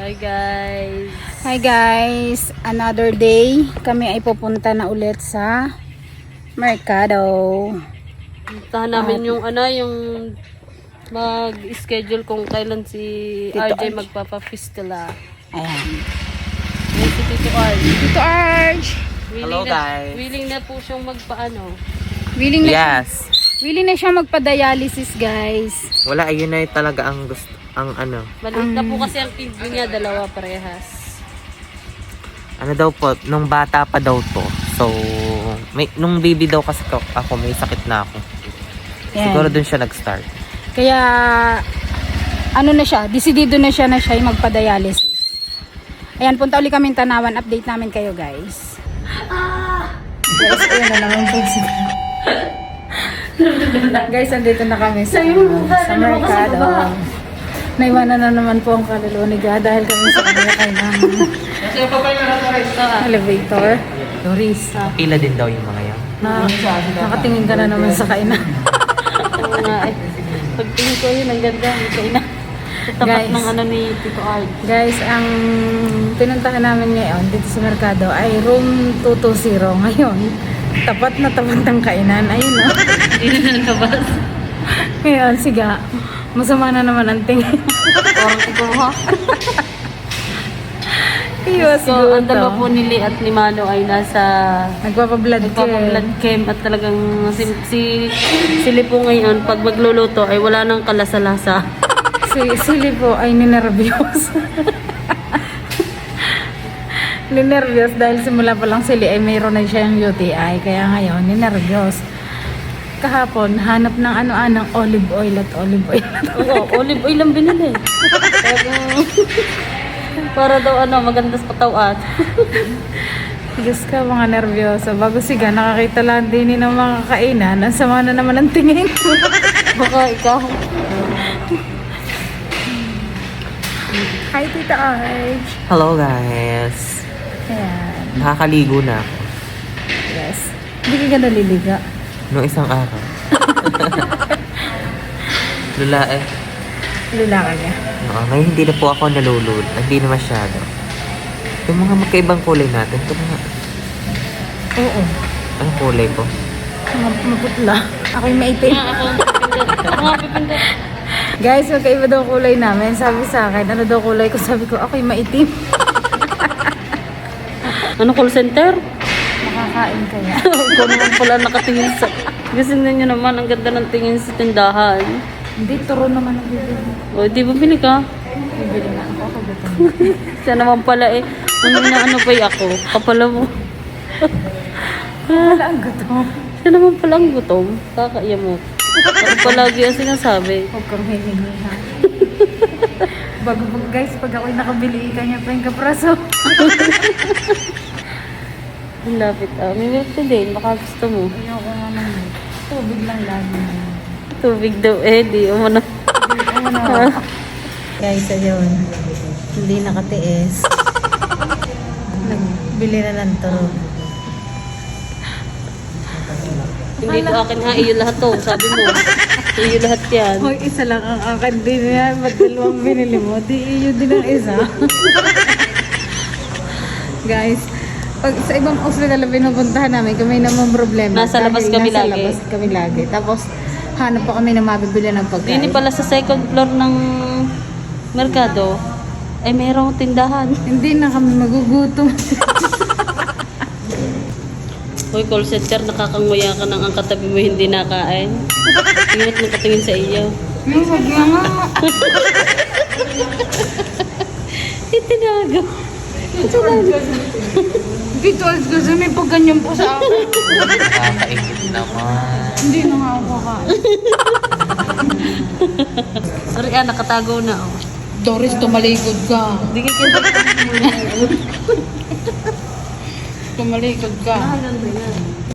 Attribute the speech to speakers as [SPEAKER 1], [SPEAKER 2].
[SPEAKER 1] Hi guys.
[SPEAKER 2] Hi guys, another day. Kami ay pupunta na ulit sa Mercado.
[SPEAKER 1] Puntahan namin yung mag-schedule kung kailan si
[SPEAKER 2] Tito
[SPEAKER 1] RJ
[SPEAKER 2] Arj.
[SPEAKER 1] magpapa-fistula.
[SPEAKER 2] Ayan.
[SPEAKER 1] Yan si Tito Arj.
[SPEAKER 2] Tito Arj!
[SPEAKER 3] Hello, guys.
[SPEAKER 1] Willing na po siyang magpaano.
[SPEAKER 2] Willing na,
[SPEAKER 3] Yes.
[SPEAKER 2] willing na siya magpa-dialysis guys.
[SPEAKER 3] Wala, ayun na talaga ang gusto, ang ano.
[SPEAKER 1] Maliit na po kasi ang kidney niya, dalawa parehas.
[SPEAKER 3] Ano daw po, nung bata pa daw to. So, nung baby daw kasi ako, may sakit na ako.
[SPEAKER 2] Ayan.
[SPEAKER 3] Siguro dun siya nag-start.
[SPEAKER 2] Kaya, ano na siya, decidido na siya magpa-dialysis. Ayan, punta ulit kami Tanawan. Update namin kayo guys. Guys, ayan na naman po sila. Guys, andito na kami sa Mercado. Naiwanan na naman po ang kaluluwa ni Ga dahil kami sa kanila kay ng elevator. Doris,
[SPEAKER 3] Pila din daw yung mga yan.
[SPEAKER 2] nakatingin ka na naman sa kainan.
[SPEAKER 1] Oo nga eh. Pagtingin ko yun, ang ganda. Ito na. Sa tapat
[SPEAKER 2] Guys.
[SPEAKER 1] ng ni Tito Arj.
[SPEAKER 2] Guys, ang pinuntahan namin ngayon dito sa Mercado ay room 220 ngayon. Tapat na tapat ng kainan. Ayun o.
[SPEAKER 1] Hindi na nalabas.
[SPEAKER 2] Ngayon, siga. Masama na naman ang tingin.
[SPEAKER 1] Parang ikaw ha.
[SPEAKER 2] Iwas
[SPEAKER 1] So, ang dalawa po ni Lee at ni Mano ay nasa
[SPEAKER 2] Nagpapablood
[SPEAKER 1] nagpapablood cam at talagang si Lee po ngayon pag magluluto ay wala nang kalasa-lasa.
[SPEAKER 2] Sili po ay ninervyos. Ninervyos dahil simula pa lang sili ay mayroon na siyang UTI. Kaya ngayon, ninervyos. Kahapon, hanap ng ano-anong olive oil at olive oil.
[SPEAKER 1] Oo, olive oil lang binili. Para daw maganda sa katawan.
[SPEAKER 2] Diyos ka, mga nervyoso. Bago siga, nakakita lang din ng mga kainan. Ang sama na naman ang tingin.
[SPEAKER 1] Baka ikaw.
[SPEAKER 2] Hi, Tita Arj.
[SPEAKER 3] Hello, guys.
[SPEAKER 2] Ayan.
[SPEAKER 3] Nakakaligo na ako.
[SPEAKER 2] Yes. Hindi ka naliliga.
[SPEAKER 3] Noong isang araw. Lula eh.
[SPEAKER 2] Lula ka niya.
[SPEAKER 3] Oo, ngayon hindi na po ako nalulul. Hindi na masyado. Yung mga magkaibang kulay natin. Ito mga,
[SPEAKER 2] Oo.
[SPEAKER 3] anong kulay ko?
[SPEAKER 2] Maputla. Ako'y maitim.
[SPEAKER 1] Ako nga pipindot.
[SPEAKER 2] Guys, magkaiba daw kulay namin. Sabi sa akin, ano daw kulay ko? Sabi ko, ako'y maitim.
[SPEAKER 1] Ano call center?
[SPEAKER 2] Makakain kaya.
[SPEAKER 1] Ikaw naman pala nakatingin sa... Kasi ninyo naman, ang ganda ng tingin sa tindahan.
[SPEAKER 2] Hindi, turo naman ang bibili.
[SPEAKER 1] O, di ba bili ka?
[SPEAKER 2] Bibili na ako. Kagutom.
[SPEAKER 1] Siya naman pala eh. Ano pa ako? Kapala mo.
[SPEAKER 2] Wala ang gutom.
[SPEAKER 1] Siya naman pala ang gutom. Kakaiya mo. Ako palagi ang sinasabi.
[SPEAKER 2] Huwag kang hihingi ha. Guys, pag ako'y nakabili ka niya pa yung kapraso.
[SPEAKER 1] Ang lapit ah. May milk tea din. Baka gusto mo.
[SPEAKER 2] Ayoko nga naman. Tubig lang lagi.
[SPEAKER 1] Tubig daw eh. Di mo na.
[SPEAKER 2] Guys, ayun. Hindi nakatiis. Nagbili na ng turo.
[SPEAKER 1] Hindi ko akin ha. Iyo lahat to. Sabi mo. Iyo lahat yan.
[SPEAKER 2] Hoy, isa lang ang akin din yan. Ba't dalawang binili mo? Di iyo din ang isa. Guys, pag sa ibang hospital na pinupuntahan namin, kami naman problema.
[SPEAKER 1] Nasa labas
[SPEAKER 2] Dahil
[SPEAKER 1] kami
[SPEAKER 2] nasa
[SPEAKER 1] lagi.
[SPEAKER 2] labas kami lagi. Tapos, hanap pa kami na mabibili ng pagkain.
[SPEAKER 1] Hindi pala sa second floor ng merkado. Ay mayroong tindahan.
[SPEAKER 2] Hindi na kami magugutom.
[SPEAKER 1] Hoy, call center, nakakanguya ka ng ang katabi mo hindi nakain. Tingin mo katingin sa iyo.
[SPEAKER 2] Huwag na nga.
[SPEAKER 1] Itinago.
[SPEAKER 2] Dito, kasi may pagganyan po sa akin.
[SPEAKER 3] Nakakaingit naman.
[SPEAKER 2] Hindi na nga ako kakain.
[SPEAKER 1] Sorry nakatago na oh.
[SPEAKER 2] Doris, tumalikod ka.
[SPEAKER 1] Hindi ka kinta.
[SPEAKER 2] Tumalikod ka.
[SPEAKER 1] Mahalan ba yan?